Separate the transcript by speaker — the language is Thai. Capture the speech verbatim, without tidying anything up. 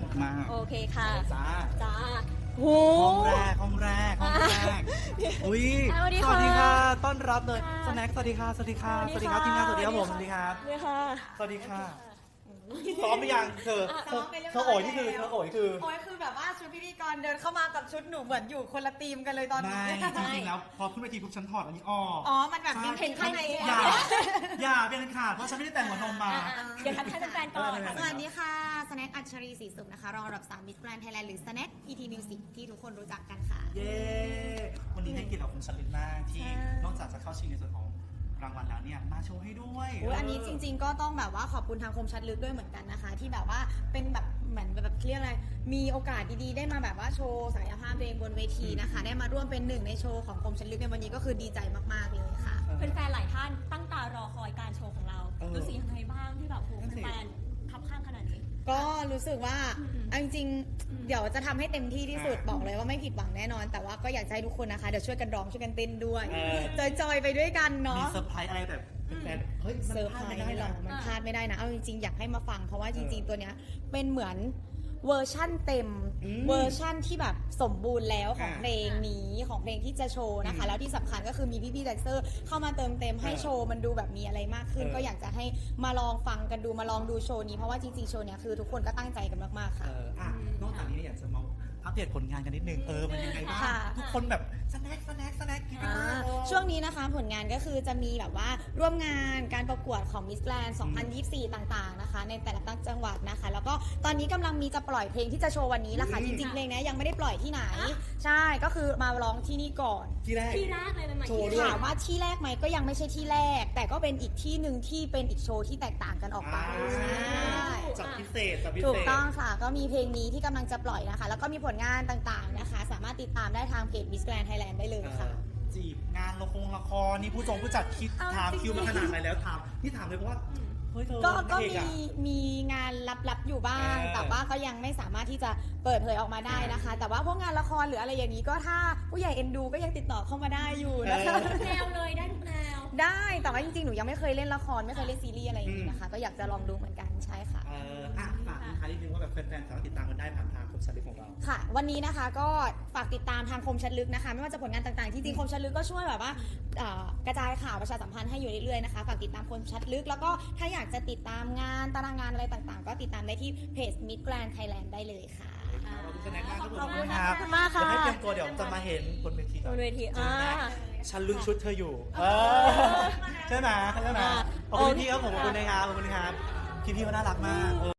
Speaker 1: มาก
Speaker 2: โอเคค่ะ
Speaker 1: จ้า
Speaker 2: จ้าโห
Speaker 1: ห้องแรกห้องแรกห้องแรกอุ้ย
Speaker 2: สวัสดี
Speaker 1: ส
Speaker 2: ค่ะ
Speaker 1: วัสดีค่ะต้อนรับเลย
Speaker 2: ค่ะ
Speaker 1: สแน็คสวัสดีค่ะสวัสดีค่ะ
Speaker 2: ส
Speaker 1: ส
Speaker 2: วั
Speaker 1: วั
Speaker 2: ส
Speaker 1: ส
Speaker 2: ดี
Speaker 1: ดีค
Speaker 2: ค่ะ
Speaker 1: รับทีมงานสวัสดีครับผมสวัสดีครับ
Speaker 2: สวัสดีค่ะ
Speaker 1: สวัสดีค่ะซ้อมหรือยังเธอเธอเธอโอยนี่คือเธอโอยคือ
Speaker 3: โอ้ยคือแบบว่าชุดพิธีกรเดินเข้ามากับชุดหนูเหมือนอยู่คนละทีมกันเลยตอนนี้
Speaker 1: ไม่จริงๆแล้วพอขึ้นเวทีปุ๊บฉันถอดอันนี้ออก
Speaker 3: อ๋อ มันแบบยัง
Speaker 1: ใช่
Speaker 3: เห็นข้างใน
Speaker 1: อย่าอย่าเป็นขาดเพราะฉันไม่ได้แต่งหัวนมมา
Speaker 2: เดี๋ยวทักทายแฟนๆก่อน
Speaker 1: เออ
Speaker 3: สวัสดีค่ะสแน็คอัญชรีศรีสุขนะคะรองอันดับสามมิสแกรนด์ไทยแลนด์หรือสแน็ค พี ที Music ที่ทุกคนรู้จักกันค่ะ
Speaker 1: เย้วันนี้ได้เกียรติกับคุณชลินมากที่
Speaker 2: ใช่
Speaker 1: นอกจากจะเข้าชิงในส่วนของรางวัลแล้วเนี่ยมาโชว์ให้ด้วย
Speaker 3: อุ๊ยอันนี้จริงๆ ก็ต้องแบบว่าขอบคุณทางคมชัดลึกด้วยเหมือนกันนะคะ ที่แบบว่าเป็นแบบเหมือนแบบเรียกอะไรมีโอกาสดีๆ ได้มาแบบว่าโชว์ศักยภาพตัวเองบนเวทีนะคะ ได้มาร่วมเป็นหนึ่งในโชว์ของคมชัดลึกในวันนี้ก็คือดีใจมากๆเลยค่ะ
Speaker 2: แฟนๆหลายท่านตั้งตารอคอยการโชว์ของเรารู้สึกยังไงบ้างที่แบบโหแฟนๆคับข้างขนาดนี้
Speaker 3: ก็รู้สึกว่า
Speaker 2: อืม
Speaker 3: เอาจริงๆเดี๋ยวจะทำให้เต็มที่ที่สุดบอกเลยว่าไม่ผิดหวังแน่นอน แต่ว่าก็อยากจะให้ทุกคนนะคะเดี๋ยวช่วยกันร้องช่วยกันเต้นด้วย
Speaker 1: เออ
Speaker 3: จอยๆไปด้วยกัน
Speaker 1: มี
Speaker 3: เนาะ
Speaker 1: เซอร์ไพรส์อะไรแบบแฟนๆเฮ้ยมัน
Speaker 3: เซอร์
Speaker 1: พ
Speaker 3: ไพ
Speaker 1: ลาร ดไม่
Speaker 3: ส์
Speaker 1: ได้
Speaker 3: หรอ
Speaker 1: นะ
Speaker 3: มัน
Speaker 2: อ่า
Speaker 3: พลาดไม่ได้นะ เอาจริงๆ อยากให้มาฟัง เพราะว่าจริง
Speaker 1: เออ
Speaker 3: ๆ ตัวเนี้ยเป็นเหมือนเวอร์ชั่นเต็ม
Speaker 1: อืม
Speaker 3: เวอร์ชั่นที่แบบสมบูรณ์แล้วของ
Speaker 1: อ่า
Speaker 3: เพลงนี้ของเพลงที่จะโชว์นะคะ
Speaker 1: อืม
Speaker 3: แล้วที่สำคัญก็คือมีพี่ๆแดนเซอร์เข้ามาเติมเต็มให้
Speaker 1: เออ
Speaker 3: โชว์มันดูแบบมีอะไรมากขึ้น
Speaker 1: เออ
Speaker 3: ก็อยากจะให้มาลองฟังกันดูมาลองดูโชว์นี้เพราะว่าจริงๆ โชว์เนี้ยคือทุกคนก็ตั้งใจกันมากๆ
Speaker 1: เอ
Speaker 3: ค่ะ
Speaker 1: ออ่ะนอกจากนี้เนี่ยอยากจะมาอัปเดตผลงานกันนิดนึงเออมันยังไงบ้าง
Speaker 3: ค่ะ
Speaker 1: ทุกคนแบบสแน็คสแน็คสแน็คกินกันมาก
Speaker 3: ช่วงนี้นะคะผลงานก็คือจะมีแบบว่าร่วมงานการประกวดของ Miss Grand สองพันยี่สิบสี่ ต่างๆนะคะ ในแต่ละตั้งจังหวัดนะคะ แล้วก็ตอนนี้กำลังมีจะปล่อยเพลงที่จะโชว์วันนี้แหละค่ะ
Speaker 1: อื
Speaker 3: จ
Speaker 1: ม
Speaker 3: ริงๆเพลงเนี้ยยังไม่ได้ปล่อยที่ไหน ใช่ก็คือมาร้องที่นี่ก่อน
Speaker 1: ที่แรก
Speaker 2: ที่แรกเลยเป็นมา
Speaker 1: โชว์
Speaker 2: ที่
Speaker 1: ด้วย
Speaker 3: ถามว่าที่แรกไหมก็ยังไม่ใช่ที่แรก แต่ก็เป็นอีกที่หนึ่งที่เป็นอีกโชว์ที่แตกต่างกันออกไป
Speaker 1: อ่า
Speaker 3: ใช่
Speaker 1: จัดพิเศษจัดพิเศษ
Speaker 3: ถูกต้องค่ะ ก็มีเพลงนี้ที่กำลังจะปล่อยนะคะ แล้วก็มีผลงานต่างๆนะคะ สามารถติดตามได้ทางเพจ Miss Grand Thailand ได้เลยค่ะ
Speaker 1: จีบงานละครละครนี่ผู้จงผู้จัดคิด
Speaker 3: เอา
Speaker 1: ถาม
Speaker 3: จริงๆ
Speaker 1: คิวมาขนาดไหนแล้วถามนี่ถามเลยเพราะว่าเฮ้ยเธอ
Speaker 3: ก็ก็
Speaker 1: นางเอ
Speaker 3: มี
Speaker 1: อะ
Speaker 3: มีงานลับๆอยู่บ้าง
Speaker 1: เออ
Speaker 3: แต่ว่าก็ยังไม่สามารถที่จะเปิดเผยออกมาได้นะคะ แต่ว่าพวกงานละครหรืออะไรอย่างนี้ก็ถ้าผู้ใหญ่เอ็นดูก็ยังติดต่อเข้ามาได้อยู่นะคะ
Speaker 2: ทุกแนวเลยได้ทุกแนว
Speaker 3: ได้แต่ว่าจริงๆหนูยังไม่เคยเล่นละครไม่เคยเล่นซีรีส์อะไรอย่างนี้นะคะ ก็อยากจะลองดูเหมือนกันใช่ค่ะ
Speaker 1: เอออ่ะฝากทิ้งท้ายนิดนึงว่าแบบแฟนๆสามารถติดตามกันได้ผ่านทางคมสันติของเรา
Speaker 3: ค่ะ วันนี้นะคะก็ฝากติดตามทางคมชัดลึกนะคะ ไม่ว่าจะผลงานต่างๆ จริงๆคมชัดลึกก็ช่วยแบบว่าเอ่อกระจายข่าวประชาสัมพันธ์ให้อยู่เรื่อยๆนะคะฝากติดตามคมชัดลึก แล้วก็ถ้าอยากจะติดตามงานตารางงานอะไรต่างๆ ก็ติดตามได้ที่เพจ Miss Grand Thailand ได้เลยค่ะ
Speaker 1: ขอบคุณสแน็คมากครับ
Speaker 2: ขอบคุณ
Speaker 1: รั
Speaker 2: ขอบคุณมากค่ะ
Speaker 1: เดี๋ยวให้เตรียมตัวเดี๋ยวจะมาเห็นบนเวที
Speaker 2: บนเวที
Speaker 1: จอแน่
Speaker 2: อ่า
Speaker 1: ฉันลุ้นชุดเธออยู่เออใช่ไหมใช่ไหม
Speaker 2: อ่า
Speaker 1: ขอบคุณพี่ครับผมขอบคุณนะครับขอบคุณนะครับพี่ๆเขาน่ารักมาก